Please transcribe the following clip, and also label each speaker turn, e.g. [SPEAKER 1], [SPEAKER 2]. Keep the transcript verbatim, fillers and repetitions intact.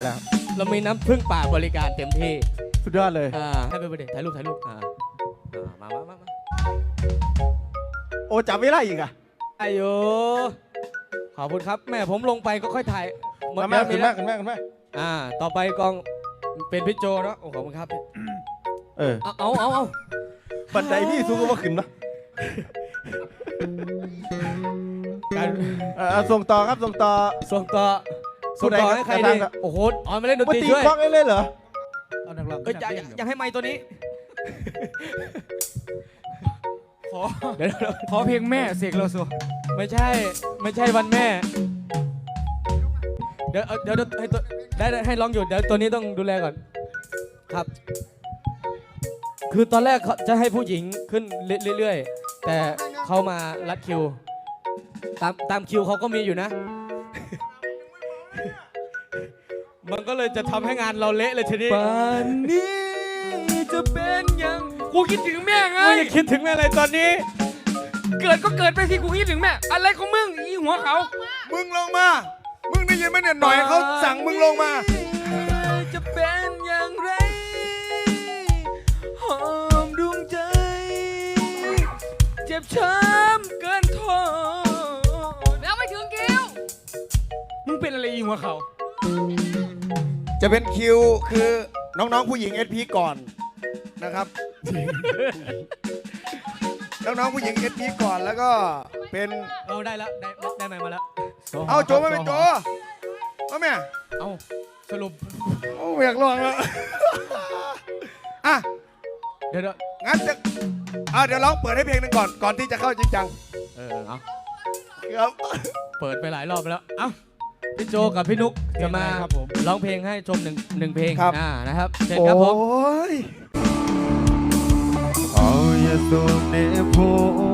[SPEAKER 1] แล้ว
[SPEAKER 2] เรามีน้ำพึ่งป่าบริการเต็มที่
[SPEAKER 1] สุดยอดเลย
[SPEAKER 2] อ่าให้ไปเด็ถ่ายรูปถ่ายรูปอ่าอ่ามามามามา
[SPEAKER 1] โอ้จับไม่ได้อีกอ่ะ
[SPEAKER 2] อายุขอบคุณครับแม่ผมลงไปก็ค่อยถ่ายหมด
[SPEAKER 1] มา
[SPEAKER 2] แล้ว
[SPEAKER 1] ขึ้
[SPEAKER 2] มี
[SPEAKER 1] น
[SPEAKER 2] แล้
[SPEAKER 1] มาว ขึ้นมาขึ้นมา
[SPEAKER 2] อ่าต่อไปกองเป็นพี่โจเนาะโอ้ขอบคุณครับ
[SPEAKER 1] เออ
[SPEAKER 2] เอาเอาเอาเอา
[SPEAKER 1] บันไดพี่สูงก็ว่าขึ้นเนาะ
[SPEAKER 2] การ
[SPEAKER 1] เออส่งต่อครับส่งต่อ
[SPEAKER 2] ส่งต่อส่งต่อให้ใคร
[SPEAKER 1] ผู้ใด
[SPEAKER 2] ดี
[SPEAKER 1] ครับ
[SPEAKER 2] โอ้โหอ๋อมาเล่นดน
[SPEAKER 1] มา
[SPEAKER 2] ตรี
[SPEAKER 1] ตี
[SPEAKER 2] ช่วย
[SPEAKER 1] กล้องได้เลยเหรอ
[SPEAKER 3] เอานักร้อง
[SPEAKER 2] เอ้ยอยากอยากอยากให้ไมค์ตัวนี้
[SPEAKER 3] ขอ
[SPEAKER 2] เดี๋ยว
[SPEAKER 3] ขอเพลงแม่เสกโลโซ
[SPEAKER 2] ไม่ใช่ไม่ใช่วันแม่ เดี๋ยวเดี๋ยวให้ตัวได้ให้ร้องอยู่เดี๋ยวตัวนี้ต้องดูแลก่อนครับ คือตอนแรกเขาจะให้ผู้หญิงขึ้นเรื่อยๆแต่เขามารัดคิวตามตามคิวเขาก็มีอยู่นะ มันก็เลยจะทำให้งานเราเละเลยทีนี้
[SPEAKER 3] ป่านนี้จะเป็นยังกูคิดถึงแม่ไง
[SPEAKER 2] ไม่ได้คิดถึงอะไรตอนนี้
[SPEAKER 3] เกิดก็เกิดไปสิกูคิดถึงแม่อะไรของมึงอีหัวเขา
[SPEAKER 4] มึงลงมา มึงได้ยินไหมเนี่ยหน่อยเขาสั่งมึงลงมา
[SPEAKER 3] จะเป็นอย่างไรหอมดวงใจ เจ็บช้ำเกินทน
[SPEAKER 5] แล้วไปถึงคิว
[SPEAKER 3] มึงเป็นอะไรอีหัวเขา
[SPEAKER 4] จะเป็นคิวคือน้องๆผู้หญิง เอส พี ก่อนนะครับ น้องๆผู้หญิง เอส พี ก่อนแล้วก็เป็น
[SPEAKER 2] เราได้แล้วได้ได้ไมค์มาแล้ว
[SPEAKER 4] เอาโจไม่เป็นโจเอาแม่
[SPEAKER 2] เอาสรุป
[SPEAKER 4] โอ้อยากลองแล้ว อ่ะ
[SPEAKER 2] เดี๋ยวเดี๋ยว
[SPEAKER 4] งั้นจะอ่ะเดี๋ยวร้องเปิดให้เพลงหนึ่งก่อนก่อนที่จะเข้าจริงจัง
[SPEAKER 2] เออเอา
[SPEAKER 4] ครับ
[SPEAKER 2] เปิดไปหลายรอบแล้ว เอ้า พี่โจกับพี่นุกจะมาร้องเพลงให้ชมหนึ่งหนึ่งเพลง อ่า นะครับเชิญครับผม
[SPEAKER 4] โอ้ย
[SPEAKER 1] เอาอย่าโดนเนโพ